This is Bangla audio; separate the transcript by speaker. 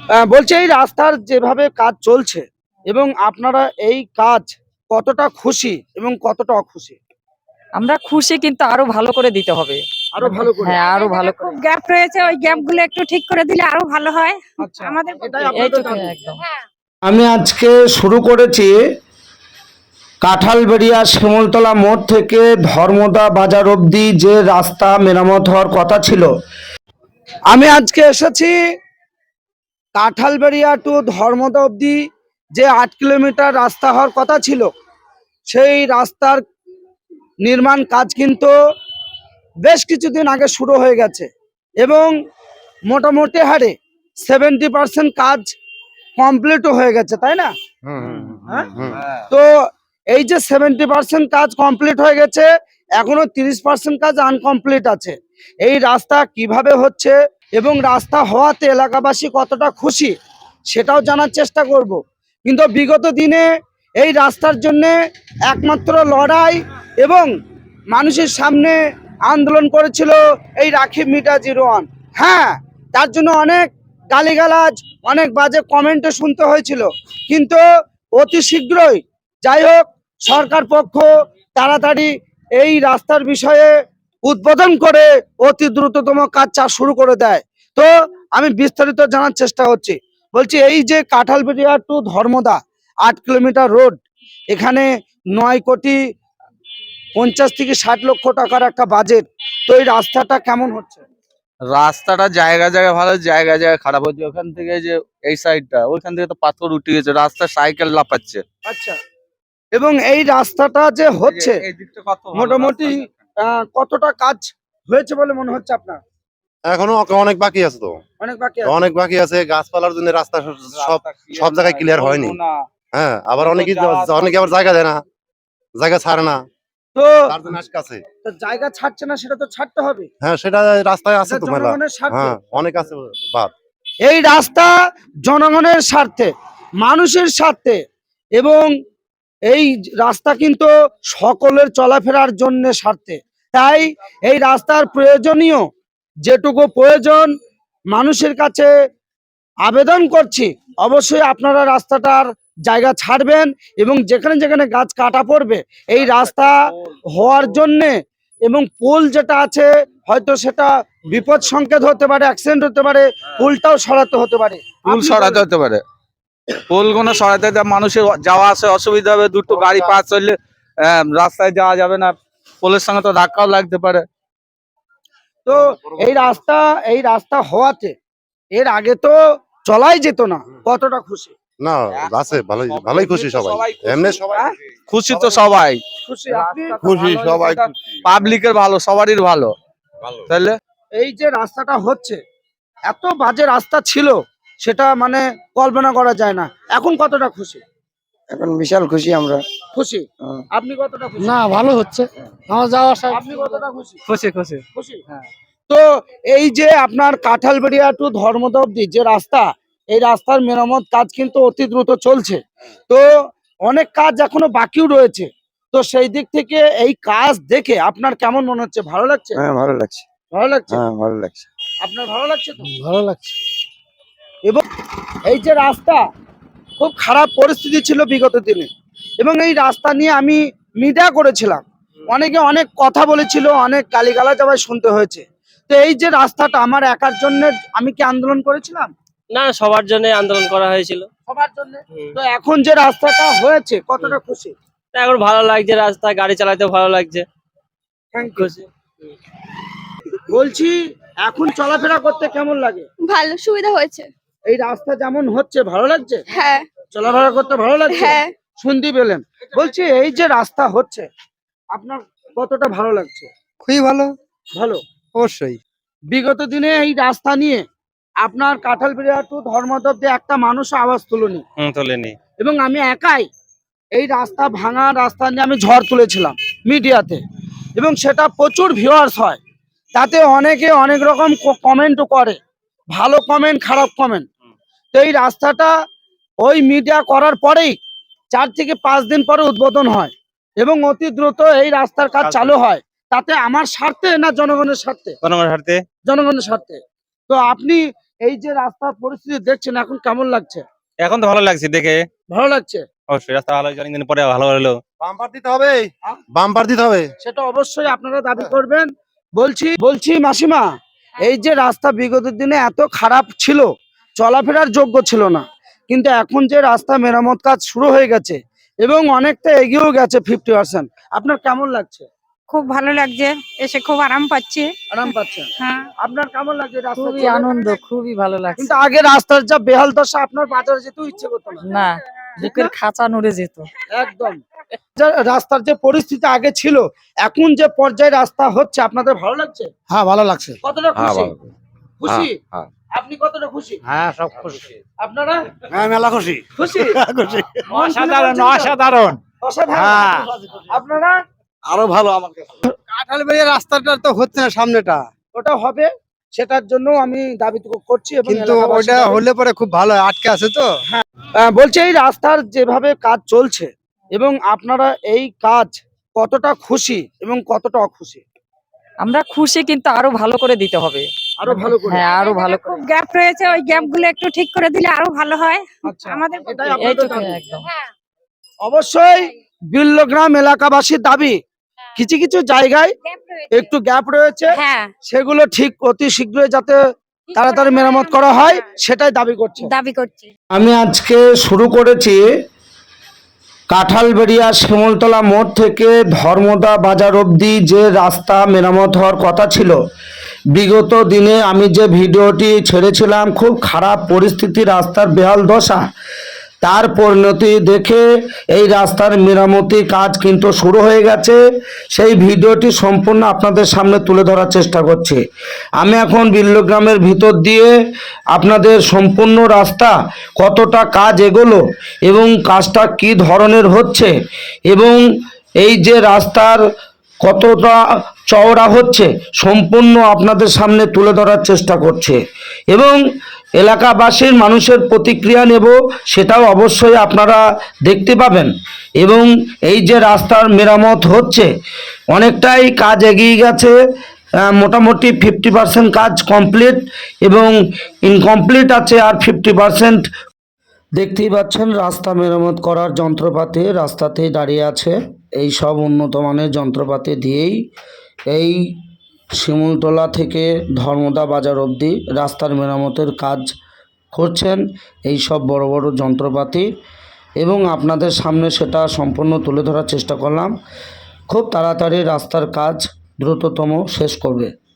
Speaker 1: বলছি এই রাস্তার যেভাবে কাজ চলছে এবং আপনারা এই কাজ কতটা খুশি এবং কতটা অখুশি?
Speaker 2: আমরা খুশি, কিন্তু আরো ভালো করে দিতে হবে।
Speaker 1: আরো ভালো করে।
Speaker 2: হ্যাঁ, আরো ভালো করে।
Speaker 3: খুব গ্যাপ রয়েছে, ওই গ্যাপ গুলো একটু ঠিক করে দিলে আরো ভালো হয়
Speaker 1: আচ্ছা,
Speaker 3: আমাদের
Speaker 1: এটাই
Speaker 3: পক্ষে।
Speaker 1: আপনাদের
Speaker 2: এইটুকু
Speaker 1: দাবি।
Speaker 2: একদম।
Speaker 1: আমি আজকে শুরু করেছি কাঁঠালবেড়িয়া শিমুলতলা মোড় থেকে ধর্মদা বাজার অবধি যে রাস্তা মেরামত হওয়ার কথা ছিল। আমি আজকে এসেছি কাঁঠালবেড়িয়া টু ধর্মদা অবধি যে 8 কিলোমিটার রাস্তা হওয়ার কথা ছিল, সেই রাস্তার নির্মাণ কাজ কিন্তু বেশ কিছুদিন আগে শুরু হয়ে গেছে এবং মোটামুটি হারে 70% কাজ কমপ্লিটও হয়ে গেছে, তাই না? হ্যাঁ? তো এই যে 70% কাজ কমপ্লিট হয়ে গেছে, এখনো 30% কাজ আনকমপ্লিট আছে। এই রাস্তা কিভাবে হচ্ছে এবং রাস্তা হওয়াতে এলাকাবাসী কতটা খুশি সেটাও জানার চেষ্টা করব। কিন্তু বিগত দিনে এই রাস্তার জন্য একমাত্র লড়াই এবং মানুষের সামনে আন্দোলন করেছিল এই রাখিব মিটা 01। হ্যাঁ, তার জন্য অনেক গালিগালাজ, অনেক বাজে কমেন্টও শুনতে হয়েছিল, কিন্তু অতি শীঘ্রই যাই হোক সরকার পক্ষ তাড়াতাড়ি এই রাস্তার বিষয়ে উদ্বোধন করে অতি দ্রুততম কাজ শুরু করে দেয়। তো আমি বিস্তারিত জানার চেষ্টা করছি। বলছি এই যে Kanthalberia to Dharmada 8 kilometre road, এখানে 9,50 থেকে 60 লক্ষ টাকার একটা বাজেট। তো এই রাস্তাটা কেমন হচ্ছে?
Speaker 4: রাস্তাটা জায়গা জায়গা ভালো, জায়গা জায়গা খারাপ হচ্ছে। ওখান থেকে যে এই সাইডটা, ওইখান থেকে তো পাথর উঠে গেছে, রাস্তা সাইকেল লাফাচ্ছে।
Speaker 1: আচ্ছা, এবং এই রাস্তাটা যে হচ্ছে
Speaker 4: এই দিকটা কত ভালো
Speaker 1: মোটামুটি
Speaker 4: রাস্তা।
Speaker 1: কতটা কাজ হয়েছে বলে মনে হচ্ছে আপনার?
Speaker 5: এখনো অনেক বাকি আছে তো,
Speaker 1: অনেক বাকি আছে।
Speaker 5: অনেক বাকি আছে। গাছপালার জন্য রাস্তা সব জায়গায় ক্লিয়ার হয়নি। হ্যাঁ, আবার অনেকে আবার জায়গা দেয় না, জায়গা ছাড়ে না,
Speaker 1: তো
Speaker 5: তার জন্য আটকে আছে।
Speaker 1: তো জায়গা ছাড়ছে না, সেটা তো ছাড়তে হবে।
Speaker 5: হ্যাঁ, সেটা রাস্তায় আছে
Speaker 1: এটা
Speaker 5: তো মেলা।
Speaker 1: জনগণের স্বার্থে।
Speaker 5: হ্যাঁ, অনেক আছে বাদ।
Speaker 1: এই রাস্তা জনগণের স্বার্থে, মানুষের স্বার্থে, এবং এই রাস্তা কিন্তু সকলের চলাফেরার জন্য স্বার্থে। তাই এই রাস্তার প্রয়োজনীয় যেটুকু প্রয়োজন মানুষের কাছে আবেদন করছি, অবশ্যই আপনারা রাস্তাটার জায়গা ছাড়বেন এবং যেখানে যেখানে গাছ কাটা পড়বে এই রাস্তা হওয়ার জন্যে, এবং পোল যেটা আছে হয়তো সেটা বিপদ সংকেত হতে পারে, অ্যাক্সিডেন্ট হতে পারে, পোলটাও সরাতে হতে পারে।
Speaker 4: পুল সরাতে হতে পারে, পুল কোনো সরাতে হতে, মানুষের যাওয়া আসা অসুবিধা হবে। দুটো গাড়ি পাস চললে রাস্তায় যাওয়া যাবে না, পোলের সঙ্গে তো ধাক্কাও লাগতে পারে।
Speaker 1: তো এই রাস্তা হওয়াতে এর আগে তো চলাই যেত না, কতটা খুশি?
Speaker 5: না, আছে ভালোই ভালোই খুশি সবাই। এমনি সবাই
Speaker 4: খুশি তো সবাই,
Speaker 1: খুশি আপনি?
Speaker 5: খুশি সবাই।
Speaker 4: পাবলিকের ভালো, সবারই ভালো। তাহলে
Speaker 1: এই যে রাস্তাটা হচ্ছে, এত বাজে রাস্তা ছিল সেটা মানে কল্পনা করা যায় না। এখন কতটা খুশি?
Speaker 6: এখন বিশাল খুশি আমরা।
Speaker 1: খুশি। আপনি কতটা খুশি?
Speaker 6: না, ভালো হচ্ছে আমার যাওয়া আসা।
Speaker 1: আপনি কতটা খুশি?
Speaker 2: খুশি খুশি।
Speaker 1: খুশি। তো এই যে আপনার কাঁঠালবেড়িয়া টু ধর্মদা অবধি যে রাস্তা, এই রাস্তার মেরামত কাজ কিন্তু অতি দ্রুত চলছে। তো অনেক কাজ এখনো বাকিও রয়েছে। তো সেই দিক থেকে এই কাজ দেখে আপনার কেমন মনে হচ্ছে? ভালো লাগছে?
Speaker 6: হ্যাঁ, ভালো লাগছে।
Speaker 1: ভালো লাগছে?
Speaker 6: হ্যাঁ, ভালো লাগছে।
Speaker 1: আপনার ভালো লাগছে তো?
Speaker 6: ভালো লাগছে।
Speaker 1: এবং এই যে রাস্তা খুব খারাপ পরিস্থিতি ছিল বিগত দিনে, এবং এই রাস্তা নিয়ে আমি মিডিয়া করেছিলাম, অনেকে অনেক কথা বলেছিল, অনেক গালিগালাজ আবার শুনতে হয়েছে। তো এই যে রাস্তাটা আমার একার জন্য, আমি কি আন্দোলন করেছিলাম?
Speaker 7: না, সবার জন্য আন্দোলন করা হয়েছিল।
Speaker 1: সবার জন্য। তো এখন যে রাস্তাটা হয়েছে কতটা খুশি?
Speaker 7: তা এখন ভালো লাগছে, রাস্তা গাড়ি চালাতে ভালো লাগছে। খুশি।
Speaker 1: বলছি এখন চলাফেরা করতে কেমন লাগে?
Speaker 8: ভালো, সুবিধা হয়েছে।
Speaker 1: এই রাস্তা যেমন হচ্ছে ভালো লাগছে?
Speaker 8: হ্যাঁ
Speaker 1: চলাফেরা করতে ভালো লাগছে?
Speaker 8: হ্যাঁ।
Speaker 1: শুনতে পেলেন। বলছি এই যে রাস্তা হচ্ছে আপনার কতটা ভালো লাগছে?
Speaker 6: খুবই ভালো।
Speaker 1: ভালো।
Speaker 6: অবশ্যই।
Speaker 1: বিগত দিনে এই রাস্তা নিয়ে আপনার কাঁঠালবেড়িয়া টু ধর্মদা অবধি একটা মানুষ আওয়াজ তুলেনি,
Speaker 4: তোলেনি।
Speaker 1: এবং আমি একাই এই রাস্তা ভাঙা রাস্তা নিয়ে আমি ঝড় তুলেছিলাম মিডিয়াতে, এবং সেটা প্রচুর ভিউয়ার্স হয়। তাতে অনেকে অনেক রকম কমেন্টও করে, ভালো কমেন্ট, খারাপ কমেন্ট। তো এই রাস্তাটা ওই মিডিয়া করার পরেই 4 থেকে 5 দিন পরে উদ্বোধন হয় এবং অতি দ্রুত এই রাস্তার কাজ চালু হয়। তাতে আমার স্বার্থে না জনগণের স্বার্থে?
Speaker 4: জনগণের স্বার্থে।
Speaker 1: জনগণের স্বার্থে। তো আপনি এই যে রাস্তার পরিস্থিতি দেখছেন এখন কেমন লাগছে?
Speaker 8: এখন তো ভালো লাগছে দেখে,
Speaker 1: ভালো লাগছে?
Speaker 8: অবশ্যই রাস্তা ভালো হয়েছে, অনেকদিন পরে ভালো হলো।
Speaker 5: বাম্পার দিতে হবে, বাম্পার দিতে হবে।
Speaker 1: সেটা অবশ্যই আপনারা দাবি করবেন। বলছি মাসিমা, এই যে রাস্তা বিগত দিনে এত খারাপ ছিল, চলাফেরার যোগ্য ছিল না, কিন্তু এখন যে রাস্তা মেরামত কাজ শুরু হয়ে গেছে এবং অনেকটা এগিয়েও গেছে 50%, আপনার কেমন লাগছে?
Speaker 3: খুব ভালো লাগছে, এসে খুব আরাম পাচ্ছি।
Speaker 1: আরাম পাচ্ছেন?
Speaker 3: হ্যাঁ,
Speaker 1: আপনার কেমন লাগছে রাস্তা
Speaker 2: খুবই
Speaker 1: চলে?
Speaker 2: আনন্দ, খুবই ভালো লাগছে।
Speaker 1: কিন্তু আগে রাস্তার যা বেহাল দশা, আপনার বাজারে যেতেও ইচ্ছে করতো না।
Speaker 2: না, বুকের খাঁচা নড়ে যেত।
Speaker 1: একদম। রাস্তার যে পরিস্থিতি আগে ছিল, এখন যে পর্যায়ে রাস্তা হচ্ছে, আপনাদের ভালো লাগছে?
Speaker 6: হ্যাঁ ভালো লাগছে।
Speaker 1: কতটা খুশি? খুশি?
Speaker 5: হ্যাঁ।
Speaker 1: আপনি কতটা খুশি?
Speaker 6: হ্যাঁ সব খুশি।
Speaker 1: আপনারা
Speaker 6: হ্যাঁ মেলা খুশি।
Speaker 1: খুশি?
Speaker 6: খুশি।
Speaker 1: অসাধারণ,
Speaker 6: অসাধারণ।
Speaker 1: অসাধারণ।
Speaker 6: হ্যাঁ।
Speaker 1: আপনারা?
Speaker 6: আরো ভালো আমার কাছে। কাঁঠালবাড়ি রাস্তাটা তো হচ্ছে না সামনেটা,
Speaker 1: ওটা হবে, সেটার জন্য আমি দাবি করছি এবং
Speaker 6: কিন্তু
Speaker 1: এলাকাবাসী
Speaker 6: ওটা
Speaker 1: দাবি-
Speaker 6: হলে পরে খুব ভালো হয়, আটকে আছে তো।
Speaker 1: বলছি এই রাস্তার যেভাবে কাজ চলছে এবং আপনারা এই কাজ কতটা খুশি এবং কতটা অখুশি?
Speaker 2: আমরা খুশি, কিন্তু আরো ভালো করে দিতে হবে।
Speaker 1: আরো ভালো করে।
Speaker 2: হ্যাঁ, আরো ভালো করে।
Speaker 3: খুব গ্যাপ রয়েছে, ওই গ্যাপ গুলো একটু ঠিক করে দিলে আরো ভালো হয়।
Speaker 1: আচ্ছা,
Speaker 3: আমাদের
Speaker 1: এটাই আপনাদের
Speaker 2: এইটুকু
Speaker 1: দাবি।
Speaker 2: একদম।
Speaker 1: অবশ্যই বিল্লগ্রাম এলাকাবাসীর দাবি, কিছু কিছু জায়গায় একটু গ্যাপ রয়েছে,
Speaker 3: হ্যাঁ,
Speaker 1: সেগুলো ঠিক অতি শীঘ্রই যাতে তাড়াতাড়ি মেরামত করা হয় সেটাই দাবি করছে।
Speaker 3: দাবি করছি।
Speaker 1: আমি আজকে শুরু করেছি কাঁঠালবেড়িয়া শিমুলতলা মোড় থেকে ধর্মদা বাজার অবধি যে রাস্তা মেরামত হওয়ার কথা ছিল। বিগত দিনে আমি যে ভিডিওটি ছেড়েছিলাম, খুব খারাপ পরিস্থিতি, রাস্তার বেহাল দশা, তার পরিণতি দেখে এই রাস্তার মেরামতি কাজ কিন্তু শুরু হয়ে গেছে। সেই ভিডিওটি সম্পূর্ণ আপনাদের সামনে তুলে ধরার চেষ্টা করছি। আমি এখন বিল্লগ্রামের ভিতর দিয়ে আপনাদের সম্পূর্ণ রাস্তা কতটা কাজ এগোলো এবং কাজটা কী ধরনের হচ্ছে এবং এই যে রাস্তার কতটা চওড়া হচ্ছে সম্পূর্ণ আপনাদের সামনে তুলে ধরার চেষ্টা করছে এবং এলাকাবাসীর মানুষের প্রতিক্রিয়া নেব, সেটাও অবশ্যই আপনারা দেখতে পাবেন। এবং এই যে রাস্তার মেরামত হচ্ছে, অনেকটাই কাজ এগিয়ে গেছে, মোটামুটি 50% কাজ কমপ্লিট এবং ইনকমপ্লিট আছে আর 50%। দেখতেই পাচ্ছেন রাস্তা মেরামত করার যন্ত্রপাতি রাস্তাতেই দাঁড়িয়ে আছে। এই সব উন্নত মানের যন্ত্রপাতি দিয়েই এই শিমুলতলা থেকে ধর্মদা বাজার অবধি রাস্তার মেরামতের কাজ করছেন এই সব বড় বড় যন্ত্রপাতি, এবং আপনাদের সামনে সেটা সম্পূর্ণ তুলে ধরার চেষ্টা করলাম। খুব তাড়াতাড়ি রাস্তার কাজ দ্রুততম শেষ করবে।